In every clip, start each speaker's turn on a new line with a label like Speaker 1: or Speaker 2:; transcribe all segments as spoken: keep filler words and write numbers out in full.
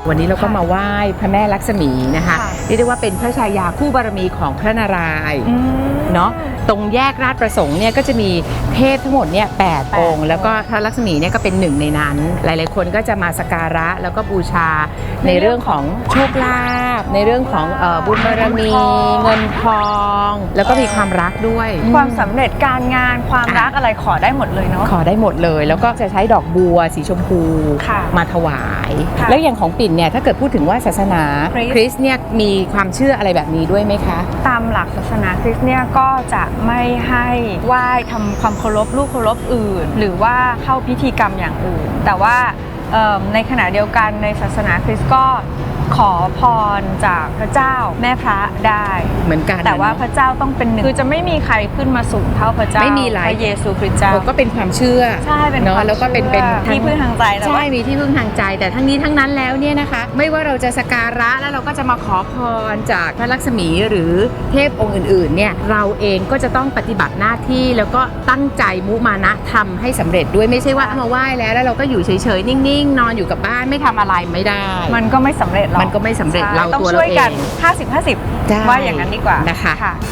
Speaker 1: วันนี้เราก็มาไหว้พระแม่ลักษมีนะคะเรียกได้ว่าเป็นพระชายาคู่บารมีของพระนารายณ์เนาะตรงแยกราชประสงค์เนี่ยก็จะมีเทพทั้งหมดเนี่ยแปดองค์แล้วก็พระลักษมีเนี่ยก็เป็นหนึ่งในนั้นหลายๆคนก็จะมาสักการะแล้วก็บูชาในเรื่องของโชคลาภในเรื่องของเอ่อบุญบารมีเงินทองแล้วก็มีความรักด้วย
Speaker 2: ความสำเร็จการงานความรักอะไรขอได้หมดเลยเนาะ
Speaker 1: ขอได้หมดเลยแล้วก็จะใช้ดอกบัวสีชมพูมาถวายแล้วอย่างของปิ่นเนี่ยถ้าเกิดพูดถึงว่าศาสนาคริสต์เนี่ยมีความเชื่ออะไรแบบนี้ด้วยไหมคะ
Speaker 2: ตามหลักศาสนาคริสต์เนี่ยก็จะไม่ให้ไหว้ทำความเคารพรูปเคารพอื่นหรือว่าเข้าพิธีกรรมอย่างอื่นแต่ว่าในขณะเดียวกันในศาสนาคริสต์ก็ขอพรจากพระเจ้าแม่พระได้
Speaker 1: เหมือนกัน
Speaker 2: แต่ว่าพระเจ้าต้องเป็นหนึ่งคือจะไม่มีใครขึ้นมาสูงเท่าพระเจ้า
Speaker 1: ไม่มีหลาย
Speaker 2: พระเยซูคริสต์เจ้า
Speaker 1: ก็เป็นความเชื่อ
Speaker 2: ใช่เป็น
Speaker 1: เนาะแล้วก็เป็นเป็น
Speaker 2: ที่พึ่งทางใจ
Speaker 1: ใช่มีที่พึ่งทางใจแต่ทั้งนี้ทั้งนั้นแล้วเนี่ยนะคะไม่ว่าเราจะสักการะแล้วเราก็จะมาขอพรจากพระลักษมีหรือเทพองค์อื่นๆเนี่ยเราเองก็จะต้องปฏิบัติหน้าที่แล้วก็ตั้งใจมุมานะทำให้สำเร็จด้วยไม่ใช่ว่ามาไหว้แล้วแล้วเราก็อยู่เฉยๆนิ่งๆนอนอยู่กับบ้านไม่ทำอะไรไม่ได้
Speaker 2: มันก็ไม่สำเร็จหรอก
Speaker 1: มันก็ไม่สำเร็จเรา
Speaker 2: ต้องช่วยกัน ห้าสิบ ห้าสิบ ว่าอย่างนั้นดีกว่า
Speaker 1: นะคะ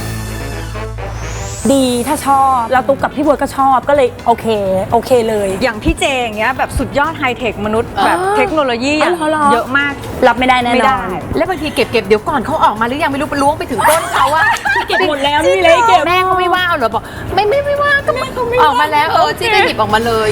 Speaker 3: ดีถ้าชอบแล้วตุ๊กกับพี่บัวก็ชอบก็เลยโอเคโอเคเลย
Speaker 2: อย่างพี่เจอย่างเงี้ยแบบสุดยอดไฮเทคมนุษย์แบบเทคโนโลยีเยอะมาก
Speaker 3: รับไม่ได้แน่นอน
Speaker 1: แล้วบางทีเก็บเก็บเดี๋ยวก่อนเขาออกมาหรือยังไม่รู้ไปล้วงไปถึงต้นเขาว่า
Speaker 3: เก็บหมดแล้วนี่เลยเก็บ
Speaker 1: แม่เขาไม่ว่าเหรอบอกไม่ไม่ไม่ว่าก็ไม่ออกมาแล้วเออจี้ก็หยิบออกมาเลย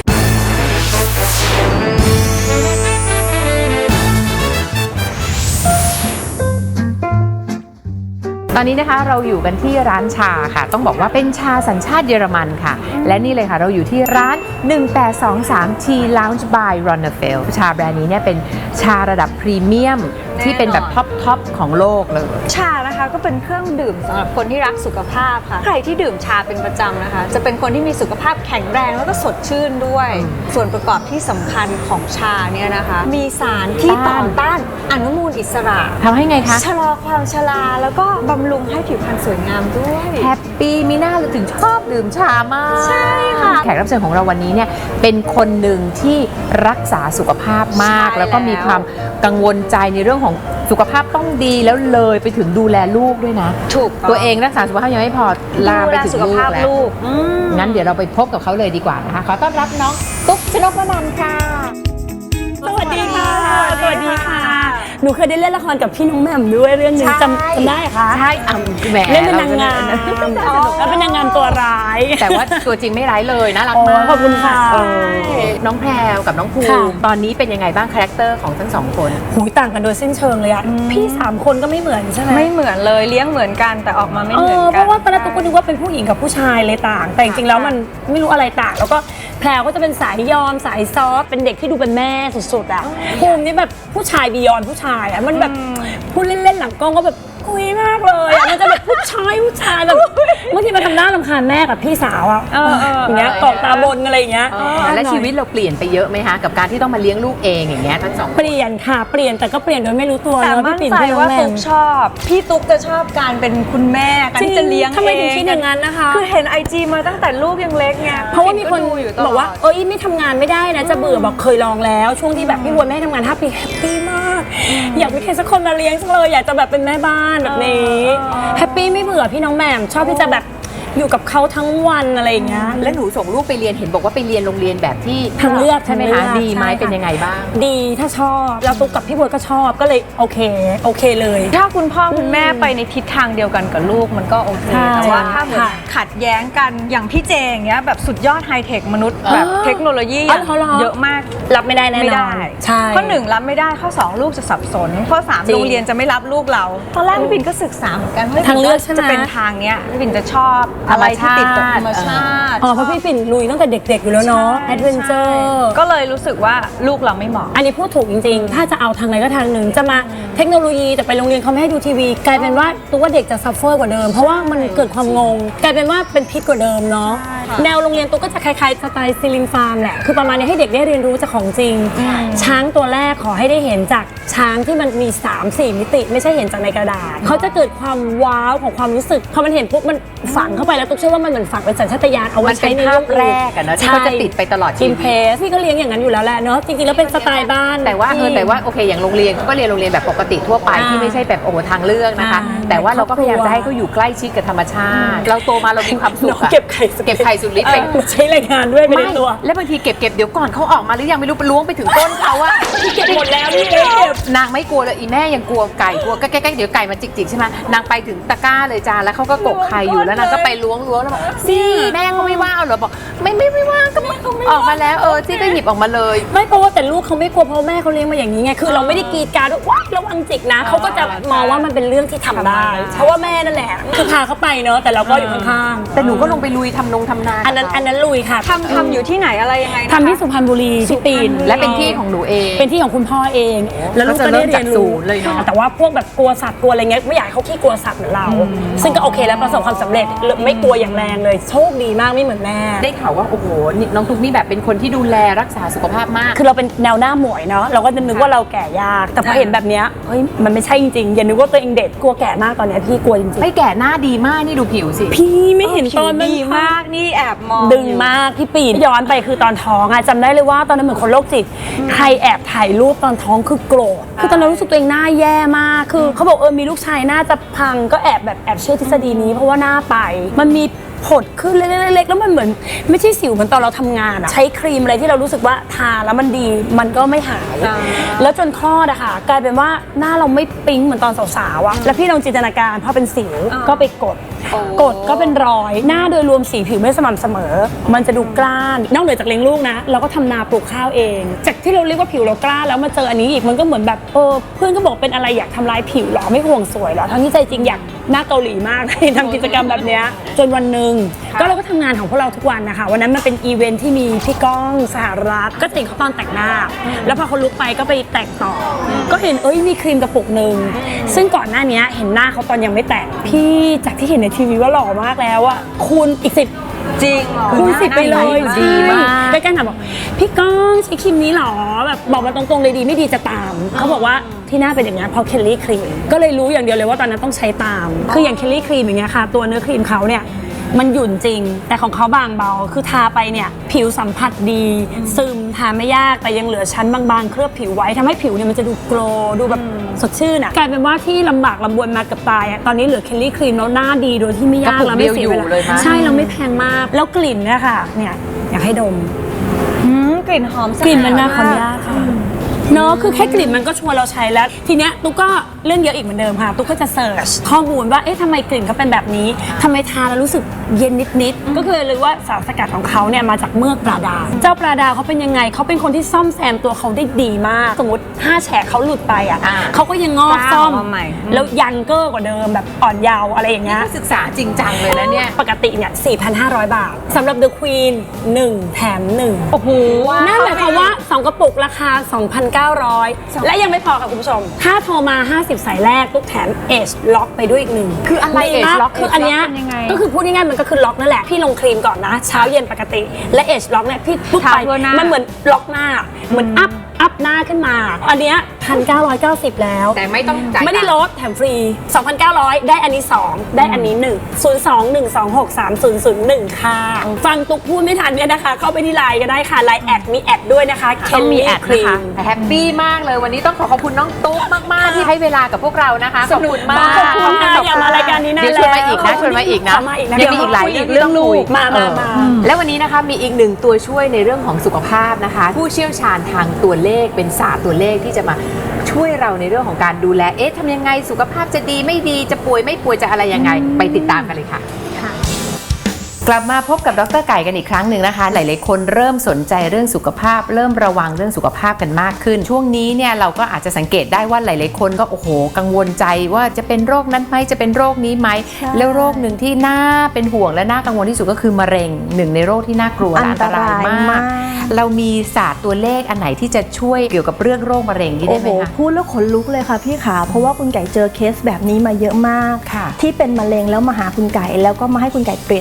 Speaker 1: ตอนนี้นะคะเราอยู่กันที่ร้านชาค่ะต้องบอกว่าเป็นชาสัญชาติเยอรมันค่ะและนี่เลยค่ะเราอยู่ที่ร้านหนึ่งแปดสองสาม Tea Lounge by Ronnefeld ชาแบรนด์นี้เนี่ยเป็นชาระดับพรีเมียมที่เป็นแบบท็อปท็อปของโลกเลย
Speaker 2: ชานะคะก็เป็นเครื่องดื่มสำหรับคนที่รักสุขภาพค่ะใครที่ดื่มชาเป็นประจำนะคะจะเป็นคนที่มีสุขภาพแข็งแรงแล้วก็สดชื่นด้วยส่วนประกอบที่สำคัญของชาเนี่ยนะคะมีสารที่ต่อต้านอนุมูลอิสระ
Speaker 1: ทำให้ไงคะ
Speaker 2: ชะลอความชราแล้วก็บำรุงให้ผิวพรรณสวยงามด้วย
Speaker 1: แฮปปี้มีหน้าเราถึงชอบดื่มชามาก
Speaker 2: ใช่ค่ะ
Speaker 1: แขกรับเชิญของเราวันนี้เนี่ยเป็นคนหนึ่งที่รักษาสุขภาพมากแล้วก็มีความกังวลใจในเรื่องของสุขภาพต้องดีแล้วเลยไปถึงดูแลลูกด้วยนะ
Speaker 2: ถูก
Speaker 1: ตัวเองรักษาสุขภาพยังไม่พอลามไปถึงลูกแล้วงั้นเดี๋ยวเราไปพบกับเขาเลยดีกว่านะคะขอต้อนรับน้องตุ๊กชนกวนันท์ค่ะ
Speaker 3: สวัสดีค่ะสวัสดีค่ะหนูเคยได้เล่นละครกับพี่น้องแหม่มด้วยเรื่องนึงจำจำได้คะ
Speaker 1: ใช่อ่ะแหม
Speaker 3: เล่นเป็นนางงามแล้วเป็นนางงามตัวร้าย
Speaker 1: แต่ว่าตัวจริงไม่ร้ายเลยน่ารักมาก
Speaker 3: ขอบคุณค่ะ
Speaker 1: น้องแพรวกับน้องภูมิตอนนี้เป็นยังไงบ้างคาแรคเตอร์ของทั้งสองคน
Speaker 3: หูต่างกันโดยสิ้นเชิงเลยอะพี่สามคนก็ไม่เหมือนใช่ไหม
Speaker 2: ไม่เหมือนเลยเลี้ยงเหมือนกันแต่ออกมาไม่เหมือนกัน
Speaker 3: เพราะว่าตอนแรกตุ๊กก็นึกว่าเป็นผู้หญิงกับผู้ชายเลยต่างแต่จริงๆแล้วมันไม่รู้อะไรต่างแล้วก็แพรวก็จะเป็นสายยอมสายซอฟเป็นเด็กที่ดูเป็นแม่สุดๆอะภูมินี่แบบผู้ชายบียอนผู้ชายอะมันแบบพูดเล่นๆหลังกล้องก็แบบคุยมากเลยมันจะแบบผู้ชายผู้ชายแบบบางทีมาทำหน้ารำคาญแม่กับพี่สาวอ่ะอย่างเงี้ยตอกตาบนอะไรอย่างเงี้ย
Speaker 1: และชีวิตเราเปลี่ยนไปเยอะไหมคะกับการที่ต้องมาเลี้ยงลูกเองอย่างเงี้ยทั้งสอง
Speaker 3: เปลี่ยนค่ะเปลี่ยนแต่ก็เปลี่ยนโดยไม่รู้ตัว
Speaker 2: แต่มั่นใจว่าตุ๊กชอบพี่ตุ๊กจะชอบการเป็นคุณแม่การที่จะเลี้ยงเอง
Speaker 3: ทำไมถึงคิดอย่างนั้นนะคะ
Speaker 2: คือเห็นไอจีมาตั้งแต่ลูกยังเล็กไง
Speaker 3: เพราะว่ามีคนบอกว่าเอ้ยไม่ทำงานไม่ได้นะจะเบื่อบอกเคยลองแล้วช่วงที่แบบพี่บัวแม่ทำงานห้าปีแฮปปี้มากอยากมีใครสักคนมาเลี้ยงจังเลยอยากจะแบบเป็นแม่บ้านแบบนี้แฮปปี้ไม่เบื่อพี่น้องแหม่มชอบที่จะแบบอยู่กับเขาทั้งวันอะไรอย่างเงี้ย
Speaker 1: แล้วหนูส่งลูกไปเรียนเห็นบอกว่าไปเรียนโรงเรียนแบบที่
Speaker 3: ทางเลือก
Speaker 1: ใช่ไหมคะดีไหมเป็นยังไงบ้าง
Speaker 3: ดีถ้าชอบแล้วตุ๊กกับพี่บัวก็ชอบก็เลยโอเคโอเคเลย
Speaker 2: ถ้าคุณพ่อคุณแม่ไปในทิศทางเดียวกันกับลูกมันก็โอเคแต่ว่าถ้าเหมือนขัดแย้งกันอย่างพี่เจอย่างเงี้ยแบบสุดยอดไฮเทคมนุษย์แบบเทคโนโลยีเยอะมาก
Speaker 3: รับไม่ได้แน่นอน
Speaker 2: ใช่ข้อหนึ่งรับไม่ได้ข้อสองลูกจะสับสนข้อสามโรงเรียนจะไม่รับลูกเราตอนแรกพี่ปิ่นก็ศึกษาเหมือนกันว่าทางเลือกจะเป็นทางเนี้ยพี่ปิ่นจะชอบอะไรที่ติดกับธรรมชาติ
Speaker 3: อ๋อเพราะพี่ปิ่นลุยตั้งแต่เด็กๆอยู่แล้วเนาะแอดเวนเจอร์
Speaker 2: ก็เลยรู้สึกว่าลูกเราไม่เหมาะ
Speaker 3: อันนี้พูดถูกจริงๆถ้าจะเอาทางไหนก็ทางหนึ่งจะมาเทคโนโลยีแต่ไปโรงเรียนเขาไม่ให้ดูทีวีกลายเป็นว่าตัวว่าเด็กจะซัฟเฟอร์กว่าเดิมเพราะว่ามันเกิดความงงกลายเป็นว่าเป็นพิษกว่าเดิมเนาะแนวโรงเรียนตัวก็จะคล้ายๆสไตล์ซิลินฟาร์มแหละคือประมาณนี้ให้เด็กได้เรียนรู้จากของจริงช้างตัวแรกขอให้ได้เห็นจากช้างที่มันมี สามสี่ มิติไม่ใช่เห็นจากในกระดาษเขาจะเกิดความว้าวของความรู้สึกพอมันเห็นปุ๊บมันฝังเข้าไปแล้วตุ๊กเชื่อว่ามันเหมือนฝังเป็นสัญชาตญาณเอาไว้ใช้ในเรื่อง
Speaker 1: แรกอะเนาะที่เขาจะติดไปตลอดชีวิต
Speaker 3: อินเพรสพี่ก็เลี้ยงอย่างนั้นอยู่แล้วแหละเนาะจริงๆแล้วเป็นสไตล์บ้าน
Speaker 1: แต่ว่าเออแต่ว่าโอเคอย่างโรงเรียนเขาก็เรียนโรงเรียนแบบปกติทั่วไปที่ไม่ใช่แบบโอ้โหทางเลือกนะคะแต่ว่าเราก็พยายามจะให้เขาอยู่ใกล้ชิดกับธรรมชาติเราโตมาเรามีความสุขอะ
Speaker 3: เก็บไข่
Speaker 1: เก็บไข่สุดฤทธิ์ไป
Speaker 3: ใช้แรงงานด้วยไปในตัว
Speaker 1: แล้วบางทีเก็บเก็บเดี๋ยวก่อนเขาออกมาหรือยังไม่รู้ไปล้วงไปถึงต้นเขาอะ
Speaker 3: เก็บหมดแล้วนี่เก็บ
Speaker 1: นางไม่กลัวเลยอีแม่ยังกลัวไก่กลัวใกล้ๆเดี๋ยวไก่มาจิกๆใช่ไหมนางไปถึงตะกร้าเลยจ้าแล้วเขาก็กกไข่อยู่แล้วนางก็ไปล้วงล้วงแล้วบอกซี่แม่เขาไม่ว่าเอาเหรอบอกไม่ไม่ไม่ว่าก็ออกมาแล้วเออซี่ก็หยิบออกมาเลย
Speaker 3: ไม่เพราะว่าแต่ลูกเขาไม่กลัวเพราะแม่เขาเลี้ยงมาอย่างนี้ไงคือเราไม่ได้กรีดกรารด้วยว้ายระวังจิกนะเขาก็จะมองว่ามันเป็นเรื่องที่ทำได้เพราะว่าแม่นั่นแหละคือพาเขาไปเนาะแต่เราก็อยู่ข้างๆ
Speaker 1: แต่หนูก็ลงไปลุยทำนงทำนา
Speaker 3: อันนั้นอันนั้นลุยค่ะ
Speaker 2: ทำทำอยู่ที่ไหนอะไรยังไงนะคะ
Speaker 3: ทำที่สุพรรณบุรีที่ปีน
Speaker 1: และเป็นที่ของหนูเอง
Speaker 3: เป็นที่ของคุณพ่อเอง แล้วลูกก็ได้เรียน
Speaker 1: ก็จะเริ่มจากศู
Speaker 3: รู้
Speaker 1: นย์เลยเนาะ
Speaker 3: แต่ว่าพวกแบบกลัวสัตว์กลัวอะไรเงี้ยไม่อยากให้เขาขี้กลัวสัตว์เหมือนเรา ซึ่งก็โอเคแล้วประสบความสำเร็จไม่กลัวอย่างแรงเลยโชคดีมากไม่เหมือนแม่
Speaker 1: ได้ข่าวว่าโอ้โหนี่น้องตุ๊กนี่แบบเป็นคนที่ดูแลรักษาสุขภาพมาก
Speaker 3: คือเราเป็นแนวหน้าหมวยเนาะเราก็จะนึกว่าเราแก่ยากแต่พอเห็นแบบเนี้ยเฮ้ยมันไม่ใช่จริงๆอย่านึกว่าตัวเองเด็กกลัวแก่มากตอนเนี้ยพี่กลัวจริง
Speaker 1: ไม่แก่หน้าดีมากนี่ดูผิวสิ
Speaker 3: ๆพี่ไม่เห็นตอนมัน
Speaker 2: ดีมากนี่แอบมอง
Speaker 3: ดึงมากพี่ปีนย้อนไปคือตอนท้องอะจำได้เลยว่าตอนนั้นเหมือนคนโรคจิตใครแอบถ่ายรูปตอนท้องคือโกรธคือตอนนั้นรู้สึกตัวเองหน้าแย่มากคือเขาบอกเออมีลูกชายหน้าจะพังก็แอบแบบแอบเชื่อทฤษฎีนี้เพราะว่าหน้าไปมันมีผดขึ้นเล็กๆแล้วมันเหมือนไม่ใช่สิวเหมือนตอนเราทำงานอะใช้ครีมอะไรที่เรารู้สึกว่าทาแล้วมันดีมันก็ไม่หาย แล้วจนคลอดอะค่ะกลายเป็นว่าหน้าเราไม่ปิ๊งเหมือนตอนสาวๆอะแล้วพี่ลองจินตนาการพอเป็นสิวก็ไปกดกดก็เป็นรอยหน้าโดยรวมสีผิวไม่สม่ำเสมอ มันจะดูกล้านนอกเหนือจากเลี้ยงลูกนะเราก็ทำนาปลูกข้าวเอง จากที่เราเรียกว่าผิวเรากล้าแล้วมาเจออันนี้อีกมันก็เหมือนแบบเออเพื่อนก็บอกเป็นอะไรอยากทำลายผิวหรอไม่ห่วงสวยหรอทั้งที่ใจจริงอยากหน้าเกาหลีมากทำกิจกรรมแบบเนี้ยจนวันหนึ่งก็เราก็ทำงานของพวกเราทุกวันนะคะวันนั้นมันเป็นอีเวนท์ที่มีพี่ก้องสหรัฐก็ติดเขาตอนแต่งหน้าแล้วพอเขาลุกไปก็ไปแต่งต่อก็เห็นเอ้ยมีครีมกระปุกหนึ่งซึ่งก่อนหน้านี้เห็นหน้าเขาตอนยังไม่แต่งพี่จากที่เห็นในทีวีว่าหล่อมากแล้วอะคูณอีกสิบ
Speaker 2: จริงเหรอ
Speaker 3: คูณสิบไปเลย
Speaker 1: ดีมาก
Speaker 3: ใกล้ๆถามบอกพี่ก้องใช้ครีมนี้หรอแบบบอกมาตรงๆเลยดีไม่ดีจะตามเขาบอกว่าที่หน้าเป็นอย่างนั้นเพราะเคลลี่ครีมก็เลยรู้อย่างเดียวเลยว่าตอนนั้นต้องใช้ตามคืออย่างเคลลี่ครีมอย่างเงี้ยค่ะตัวเนื้อครีมเขาเนี่ยมันหยุ่นจริงแต่ของเขาบางเบาคือทาไปเนี่ยผิวสัมผัสดีซึมทาไม่ยากแต่ยังเหลือชั้นบางๆเคลือบผิวไว้ทำให้ผิวเนี่ยมันจะดูโกลว์ดูแบบสดชื่นอ่ะกลายเป็นว่าที่ลำบากลำบนมากับตายอ่ะตอนนี้เหลือเคลลี่ครีมแล้วหน้าดีโดยที่ไม่ยากแล้วไม่เสียเวลาใช่เราไม่แพงมากแล้วกลิ่นเนี่ยค่ะเนี่ยอยากให้ดม
Speaker 2: อืมกลิ่นหอม
Speaker 3: กลิ่นมันน่าขออนุญาตค่ะเนาะคือแค่กลิ่นมันก็ชวนเราใช้แล้วทีเนี้ยตุ๊กก็เรื่องเยอะอีกเหมือนเดิมค่ะตุ๊กก็จะเสิร์ชข้อมูลว่าเอ๊ะทำไมกลิ่นเขาเป็นแบบนี้ทำไมทาแล้วรู้สึกเย็นนิดๆก็คือเลยว่าสารสกัดของเขาเนี่ยมาจากเมือกปลาดาวเจ้าปลาดาวเขาเป็นยังไงเขาเป็นคนที่ซ่อมแซมตัวเขาได้ดีมากสมมติห้าแฉกเขาหลุดไปอ่ะเขาก็ยังงอกซ่อมแล้วยังเกอร์กว่าเดิมแบบอ่อนเยาว์อะไรอย่างเงี้ย
Speaker 1: ศึกษาจริงจังเลยนะเนี่ย
Speaker 3: ปกติเนี่ย สี่พันห้าร้อย บาทสำหรับ The Queen หนึ่งแถมหนึ่ง
Speaker 1: โอ้โห
Speaker 3: นั่นหมายความว่า สอง กระปุกราคา สองพันเก้าร้อย และยังไม่พอค่ะคุณผู้ชม ถ้าโทรมา ห้าสิบ สายแรกตุ๊กแถม Age Lock ไปด้วยอีกหนึ่ง
Speaker 1: คืออะไร Age Lock
Speaker 3: คืออันเนี้ยก็คือพูดง่ายๆมันก็คือล็อกนั่นแหละพี่ลงครีมก่อนนะเช้าเย็นปกติและ Age Lock เนี่ยพี่ปุ๊บไปมันเหมือนล็อกหน้าเหมือนอัพอัพหน้าขึ้นมาอันเนี้ย หนึ่งพันเก้าร้อยเก้าสิบ แล้ว
Speaker 1: แต่ไม่ต้องจ่าย
Speaker 3: ไม่ได้ลดแถมฟรี สองพันเก้าร้อย ได้อันนี้สองได้อันนี้หนึ่ง ศูนย์ สอง หนึ่ง สอง หก สาม ศูนย์ ศูนย์ หนึ่ง ค่ะฟังตุ๊กพูดไม่ทันเนี่ยนะคะเข้าไปที่ไลน์ก็ได้ค่ะไลน์แอดมีแอดด้วยนะคะ
Speaker 1: ต้องมีแอด
Speaker 3: ครี
Speaker 1: นะคะ
Speaker 3: ม
Speaker 1: แฮปปี้มากเลยวันนี้ต้องขอขอบคุณน้องตุ๊กมากๆที่ให้เวลากับพวกเรานะคะขอบคุณมาก
Speaker 3: ขอบคุณค่ะอย่ามารายการนี้นาน
Speaker 1: เดี๋ยวชวนมาอีกนะชวนมาอีกนะ
Speaker 3: ขอมาอีกนะ
Speaker 1: ยังมีอีกหลายเรื่องที่ต้องคุย
Speaker 3: มามามา
Speaker 1: เออและวันนี้นะคะมีอีกหนึ่งตัวช่วยในเรื่องของสุขภาพนะคะ ผู้เชี่ยวชาญทางตัวเลขเป็นศาสตร์ตัวเลขที่จะมาช่วยเราในเรื่องของการดูแลเอ๊ะทำยังไงสุขภาพจะดีไม่ดีจะป่วยไม่ป่วยจะอะไรยังไงไปติดตามกันเลยค่ะกลับมาพบกับดร.ไก่กันอีกครั้งหนึ่งนะคะหลายๆคนเริ่มสนใจเรื่องสุขภาพเริ่มระวังเรื่องสุขภาพกันมากขึ้นช่วงนี้เนี่ยเราก็อาจจะสังเกตได้ว่าหลายๆคนก็โอ้โหกังวลใจว่าจะเป็นโรคนั้นไหมจะเป็นโรคนี้ไหมแล้วโรคหนึ่งที่น่าเป็นห่วงและน่ากังวลที่สุดก็คือมะเร็งหนึ่งในโรคที่น่ากลัวและอันตรายมากเรามีศาสตร์ตัวเลขอันไหนที่จะช่วยเกี่ยวกับเรื่องโรคมะเร็งนี้ได้ไหมคะ
Speaker 4: โอ้โหพูดแล้วขนลุกเลยค่ะพี่ขาเพราะว่าคุณไก่เจอเคสแบบนี้มาเยอะมาก
Speaker 1: ค่ะ
Speaker 4: ที่เป็นมะเร็งแล้วมาหาคุณไก่แล้วก็มาให้คุณไก่เปลี่ยนเบอร์ให้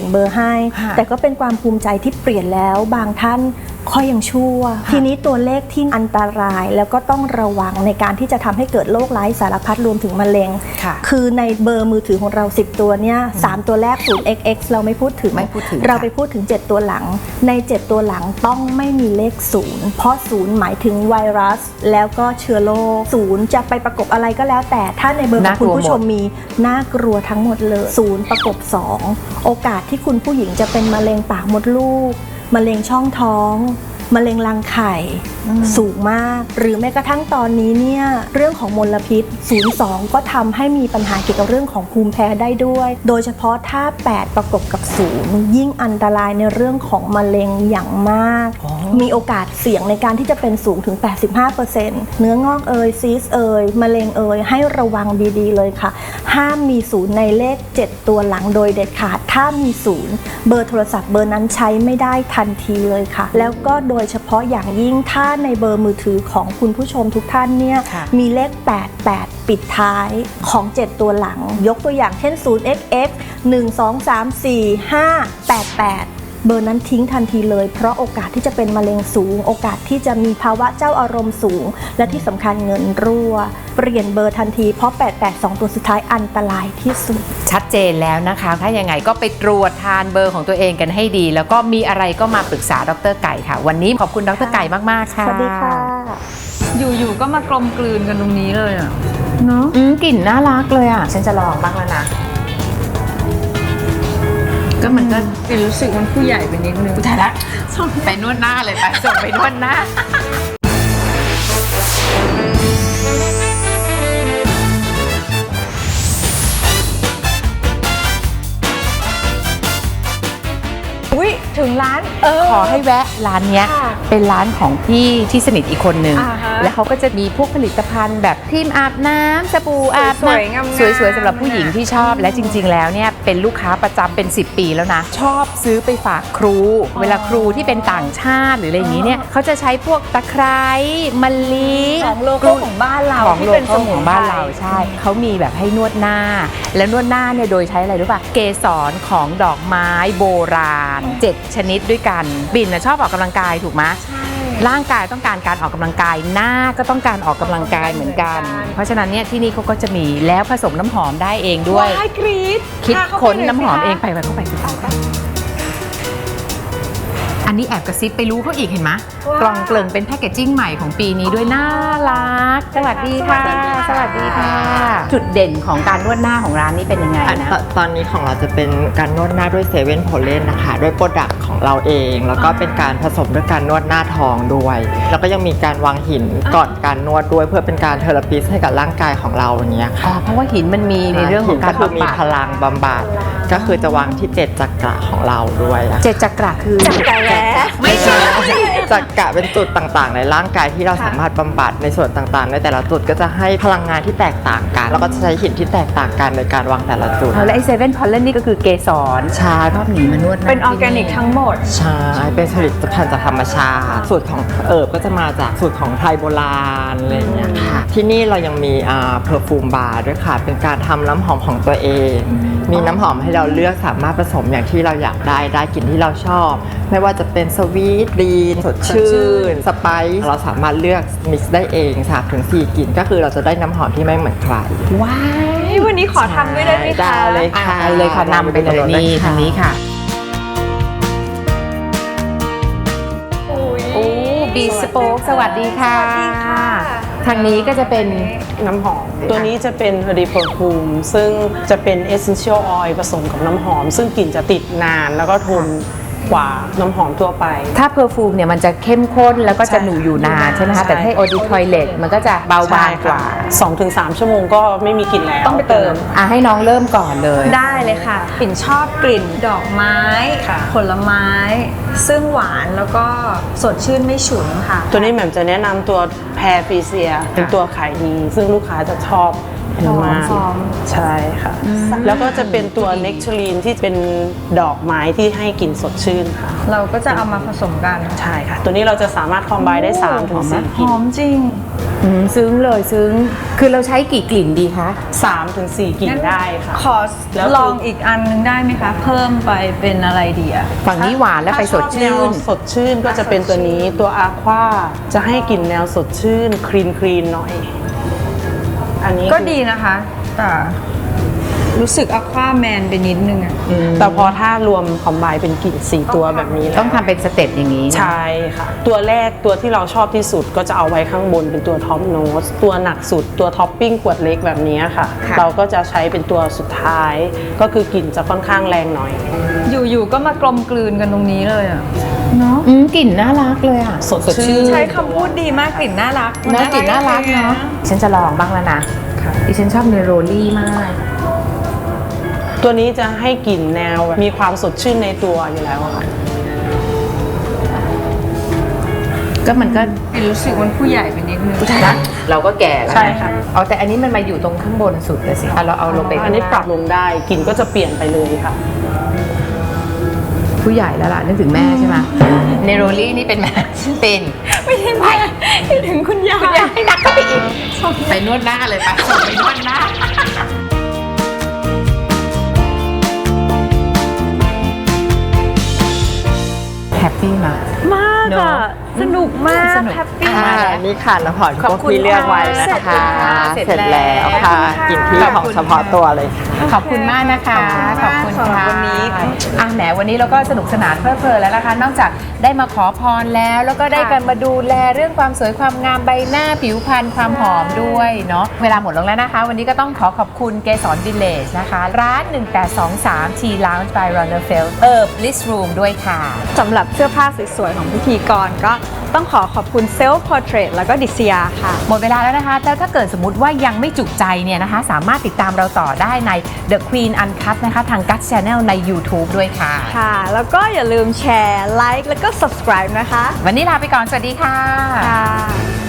Speaker 1: ค่ะ
Speaker 4: แต่ก็เป็นความภูมิใจที่เปลี่ยนแล้วบางท่านค่อยยังชั่ว ทีนี้ตัวเลขที่อันตรายแล้วก็ต้องระวังในการที่จะทำให้เกิดโรคร้ายสารพัดรวมถึงมะเร็ง
Speaker 1: ค่ะ
Speaker 4: คือในเบอร์มือถือของเราสิบตัวเนี่ยสามตัวแรก ศูนย์ เอ็กซ์ เอ็กซ์ เราไม่พูดถึง
Speaker 1: ไม่พูดถึง
Speaker 4: เรา
Speaker 1: ค่ะ
Speaker 4: ไปพูดถึงเจ็ดตัวหลังในเจ็ดตัวหลังต้องไม่มีเลขศูนย์เพราะศูนย์หมายถึงไวรัสแล้วก็เชื้อโรคศูนย์จะไปประกบอะไรก็แล้วแต่ถ้าในเบอร์ของคุณผู้ชมมีน่ากลัวทั้งหมดเลยศูนย์ประกบสองโอกาสที่คุณผู้หญิงจะเป็นมะเร็งปากมดลูกมะเร็งช่องท้องมะเร็งรังไข่สูงมากหรือแม้กระทั่งตอนนี้เนี่ยเรื่องของมลพิษศูนย์ สองก็ทำให้มีปัญหาเกี่ยวกับเรื่องของภูมิแพ้ได้ด้วย โดยเฉพาะถ้าแปดประกบกับศูนย์ยิ่งอันตรายในเรื่องของมะเร็งอย่างมาก มีโอกาสเสี่ยงในการที่จะเป็นสูงถึง แปดสิบห้าเปอร์เซ็นต์ เนื้องอกเอยซีสเอยมะเร็งเอยให้ระวังดีๆเลยค่ะ ห้ามมีศูนย์ในเลขเจ็ดตัวหลังโดยเด็ดขาดถ้ามีศูนย์เบอร์โทรศัพท์เบอร์นั้นใช้ไม่ได้ทันทีเลยค่ะ แล้วก็โดยเฉพาะอย่างยิ่งถ้าในเบอร์มือถือของคุณผู้ชมทุกท่านเนี่ย
Speaker 1: ค่ะ
Speaker 4: มีเลขแปดแปดปิดท้ายของเจ็ดตัวหลัง ยกตัวอย่างเช่น ศูนย์ เอ็กซ์ เอ็กซ์ หนึ่ง สอง สาม สี่ ห้า แปด แปด เบอร์นั้นทิ้งทันทีเลยเพราะโอกาสที่จะเป็นมะเร็งสูง โอกาสที่จะมีภาวะเจ้าอารมณ์สูง และที่สำคัญเงินรั่ว เปลี่ยนเบอร์ทันทีเพราะแปด แปด สองตัวสุดท้ายอันตรายที่สุด
Speaker 1: ชัดเจนแล้วนะคะ ถ้ายังไงก็ไปตรวจทานเบอร์ของตัวเองกันให้ดี แล้วก็มีอะไรก็มาปรึกษาดรไก่ค่ะ วันนี้ขอบคุณดรไก่มากๆค่ะ
Speaker 4: สวัสดีค่ะ
Speaker 2: อยู่ๆก็มากลมกลืนกันตรงนี้เลยอ่ะ
Speaker 1: เนาะอืมกลิ่นน่ารักเลยอ่ะ ฉันจะลองบ้างแล้วนะ ก็มันก็
Speaker 2: เป็นรู้สึกมันผู้ใหญ่ไปนิดนึง
Speaker 1: ถ่ายละส่งไปนวดหน้าเลยไปส่งไปนวดหน้า
Speaker 2: อุ้ยถึงร้าน
Speaker 1: ขอให้แวะร้านเนี้ย
Speaker 2: ค่ะ
Speaker 1: เป็นร้านของพี่ที่สนิทอีกคนนึง
Speaker 2: อ่าฮะ
Speaker 1: แล้วเขาก็จะมีพวกผลิตภัณฑ์แบบครีมอาบน้ำสบู่อาบ
Speaker 2: สวยๆ
Speaker 1: น้ำ
Speaker 2: งามๆ
Speaker 1: สวยๆสำหรับผู้หญิงที่ชอบและจริง ๆ แล้วเนี่ยเป็นลูกค้าประจำเป็นสิบปีแล้วนะ ชอบซื้อไปฝากครู เวลาครูที่เป็นต่างชาติหรืออะไรอย่างนี้เนี่ยเขาจะใช้พวกตะไคร้มะลิ
Speaker 2: ของโลโก้ของบ้านเรา
Speaker 1: ของ
Speaker 2: ที่
Speaker 1: โล
Speaker 2: เป็น
Speaker 1: โก้
Speaker 2: สมุน
Speaker 1: ของ
Speaker 2: ไพร
Speaker 1: บ้านเราใช่เขามีแบบให้นวดหน้า แล้วนวดหน้าเนี่ยโดยใช้อะไรรู้ป่ะเกสรของดอกไม้โบราณเจ็ดชนิดด้วยกันบินนะชอบออกกำลังกายถูกไหมร่างกายต้องการการออกกำลังกายหน้าก็ต้องการออกกำลังกายเหมือนกัน เพราะฉะนั้นเนี่ยที่นี่เขาก็จะมีแล้วผสมน้ำหอมได้เองด้วย
Speaker 2: ว้ายกรี๊ด
Speaker 1: คิด
Speaker 2: พาเข้าไป
Speaker 1: ค้น
Speaker 2: ย
Speaker 1: น้ำหอม
Speaker 2: สิคะ
Speaker 1: เองไปไปเข้าไปสิไปอันนี้แอบกระซิบไปรู้เขาอีกเห็นไหมกล่องเกลิ่นเป็นแพคเกจจิ้งใหม่ของปีนี้ด้วยน่ารักสวัสดีค่ะ สวัสดีค่ะ จุดเด่นของการนวดหน้าของร้านนี้เป็นยังไง
Speaker 5: อัน
Speaker 1: นะ
Speaker 5: ตตอนนี้ของเราจะเป็นการนวดหน้าด้วยเซเว่นโพเลนนะคะด้วยโปรดักต์ของเราเอง แล้วก็เป็นการผสมด้วยการนวดหน้าท้องด้วย แล้วก็ยังมีการวางหินก่อนการนวดด้วยเพื่อเป็นการเทอราปิสให้กับร่างกายของเราอย่างเงี้ย
Speaker 1: อ๋อ
Speaker 5: ค่ะ
Speaker 1: เพราะว่าหินมันมีในเรื่องของการ
Speaker 5: หินก็คือมี
Speaker 1: บำบัด
Speaker 5: พลังบำบัดก็คือจะวางที่เจ็ดจักระของเราด้วยอะ
Speaker 1: เจ็ดจักระคือ
Speaker 2: จักระแร้
Speaker 1: ไม่ใช่
Speaker 5: จักระเป็นจุดต่างๆ ในร่างกายที่เราสามารถบำบัดในส่วนต่างๆ ในแต่ละจุดก็จะให้พลังงานที่แตกต่างกัน แล้วก็จะใช้หินที่แตกต่างกันในการวางแต่ละจุด
Speaker 1: เอาแล้วไอเซเว่นพอลเลนนี่ก็คือเกสร
Speaker 5: ใช่
Speaker 1: ชอบหนีมานวดหา
Speaker 2: เป็นออร์แกนิกทั้งหมด
Speaker 5: ใช่ เป็นผลิตภัณฑ์จากธรรมชาติ สูตรของเอิบก็จะมาจากสูตรของไทยโบราณอะไรอย่างเงี้ยค่ะ ที่นี่เรายังมีอ่าเพอร์ฟูมบาร์ด้วยค่ะ เป็นการทำน้ำหอมของตัวเอง มีน้ำหอมให้เราเลือกสามารถผสมอย่างที่เราอยากได้ ได้กลิ่นที่เราชอบ ไม่ว่าจะเป็นสวีทดีนสดชื่น สไปซ์เราสามารถเลือกมิกซ์ได้เอง สามถึงสี่ กลิ่น ก็คือเราจะได้น้ำหอมที่ไม่เหมือนใคร
Speaker 1: ว้าย
Speaker 2: วันนี้ขอทำด้วยได้ไหมคะ
Speaker 5: ได้เลยค่ะ
Speaker 1: อ่าเลยค่ะนำไปเลยนี่ทางนี้ค่ะ โอ้บีสโป๊กสวัสดีค่ะ
Speaker 2: สวัสดีค่ะ
Speaker 1: ทางนี้ก็จะเป็น
Speaker 6: น้ำหอม ตัวนี้จะเป็น Herdy Perfume ซึ่งจะเป็น Essential Oil ผสมกับน้ำหอม ซึ่งกลิ่นจะติดนานแล้วก็ทนกว่าน้ำหอมทั่วไป
Speaker 1: ถ้าเพอร์ฟูมเนี่ยมันจะเข้มข้นแล้วก็จะหนูอยู่นานใช่ไหมคะ แต่ถ้าโอดิทอยเลตมันก็จะเบาบางกว่า
Speaker 6: สองถึงสามชั่วโมงก็ไม่มีกลิ่นแล้ว
Speaker 2: ต้องไปเติม
Speaker 1: อ่ะให้น้องเริ่มก่อนเลย
Speaker 2: ได้เลยค่ะปิ่นชอบกลิ่นดอกไม้
Speaker 6: ค่ะ
Speaker 2: ผลไม้ ซึ่งหวานแล้วก็สดชื่นไม่ฉุนค่ะ
Speaker 6: ตัวนี้แหม่มจะแนะนำตัวแพรฟีเซีย เป็นตัวขายดี ซึ่งลูกค้าจะชอบเยอะมาก
Speaker 2: หอม
Speaker 6: ใช่ค่ะ แล้วก็จะเป็นตัวเน c ท a ลีนที่เป็นดอกไม้ที่ให้กลิ่นสดชื่นค่ะ
Speaker 2: เราก็จะเอามาผสมกัน
Speaker 6: ใช่ค่ะ ตัวนี้เราจะสามารถคอมไบได้สามถึงสี่
Speaker 2: ห
Speaker 6: กลิ่น
Speaker 2: อมจริง
Speaker 1: อืมซึ้งเลยซึ้งคือเราใช้กี่กลิ่นดีคะ
Speaker 6: สามถึงสี่กลิ่นได้ค่ะ
Speaker 2: ขอ
Speaker 6: แล้ว
Speaker 2: ลองอีกอันนึงได้ไหมคะ เพิ่มไปเป็นอะไรดีอะ
Speaker 1: ฝั่งนี้หวานแล้วไปสดชื่
Speaker 6: ถ้าชอบแน
Speaker 1: น
Speaker 6: วสดชื่นก็จะเป็นตัวนี้ตัวอาควาจะให้กลิ่นแนวสดชื่นคลีนคลีนหน่อย อันนี้
Speaker 2: ก็ดีนะคะ แต่รู้สึกอะควาแมนไปนิดนึงอะ
Speaker 6: แต่พอถ้ารวมคอมไบเป็นกลิ่นสี่ตัวแบบนี้แล้ว
Speaker 1: ต้องทำเป็นสเต็ปอย่างนี้นะ
Speaker 6: ใช่ค่ะ ตัวแรกตัวที่เราชอบที่สุดก็จะเอาไว้ข้างบนเป็นตัวท็อปโนสตัวหนักสุดตัวท็อปปิ้งขวดเล็กแบบนี้ค่ะ
Speaker 1: ค่ะ
Speaker 6: เราก็จะใช้เป็นตัวสุดท้าย ก็คือกลิ่นจะค่อนข้างแรงหน่อย
Speaker 2: อยู่ๆก็มากลมกลืนกันตรงนี้เลยอะเนาะ
Speaker 1: อืมกลิ่นน่ารักเลยอ่ะ
Speaker 6: สดชื่น
Speaker 2: ใช้คำพูดดีมากกลิ่นน่ารัก
Speaker 1: เนอะกลิ่นน่ารักเนาะฉันจะลองบ้างแล้วนะดิฉันชอบเนโรลี่มาก
Speaker 6: ตัวนี้จะให้กลิ่นแนวมีความสดชื่นในตัวอยู่แล้วอะค่ะ
Speaker 1: ก็มันก็
Speaker 2: รู้สึกมันผู้ใหญ่ไปนิดนึง
Speaker 1: นะเราก็แก่แล้วน
Speaker 6: ใช่ค่ะ
Speaker 1: เอาแต่อันนี้มันมาอยู่ตรงข้างบนสุดเลยสิเอาเราเอาลงไป
Speaker 6: อันนี้ปรับลงได้กลิ่นก็จะเปลี่ยนไปเลยค่ะ
Speaker 1: ผู้ใหญ่แล้วล่ะนึกถึงแม่ใช่ไหมเนโรลี่นี่เป็นแม่เป็น
Speaker 2: ไม่ใช่แม่ไม่ถึงคุณยาย
Speaker 1: คุณยายนักก็ไปอีกไปนวดหน้าเลยไปส่งไปนวดหน้าแฮปปี้มาก
Speaker 2: มาก
Speaker 1: เน
Speaker 2: อะ
Speaker 1: อะ
Speaker 2: สนุกมาก
Speaker 1: สนุก
Speaker 2: แฮปปี้
Speaker 1: อ่า
Speaker 2: มาก
Speaker 5: นี่ค่ะน้ำหอม
Speaker 1: ขอบ
Speaker 5: พวก
Speaker 1: คุณ
Speaker 5: พี่เลือกไว้นะ
Speaker 1: ค่ะ
Speaker 5: คะ
Speaker 1: เสร็จ
Speaker 5: เสร็จแล้ว
Speaker 1: แล้ว
Speaker 5: ค่ะ
Speaker 2: ขอบคุณค่ะ
Speaker 5: กลิ่นที่ของเฉพาะตัวเลย
Speaker 1: ขอบคุณมากนะคะ
Speaker 2: ขอบคุณมากสำหรับวันนี้
Speaker 1: อ่ะแหมวันนี้เราก็สนุกสนานเพลิดเพลินแล้วนะคะ นอกจากได้มาขอพรแล้ว แล้วก็ได้กันมาดูแลเรื่องความสวยความงามใบหน้าผิวพรรณความหอมด้วยเนาะเวลาหมดลงแล้วนะคะ วันนี้ก็ต้องขอขอบคุณเกสรวิลเลจนะคะ ร้าน หนึ่งแปดสองสาม T Lounge by Ronnerfeld เอิร์บ Bliss Room ด้วยค่ะ
Speaker 2: สำหรับเสื้อผ้าสวยๆของพิธีกรก็ต้องขอขอบคุณ Self Portrait แล้วก็ดิสยาค่ะ
Speaker 1: หมดเวลาแล้วนะคะแล้วถ้าเกิดสมมติว่ายังไม่จุใจเนี่ยนะคะ สามารถติดตามเราต่อได้ใน The Queen Uncut นะคะทาง Guts Channel ใน YouTube ด้วยค่ะ
Speaker 2: ค่ะ แล้วก็อย่าลืมแชร์ ไลค์ แล้วก็ subscribe นะคะ
Speaker 1: วันนี้ลาไปก่อน สวัสดีค่ะ
Speaker 2: ค่ะ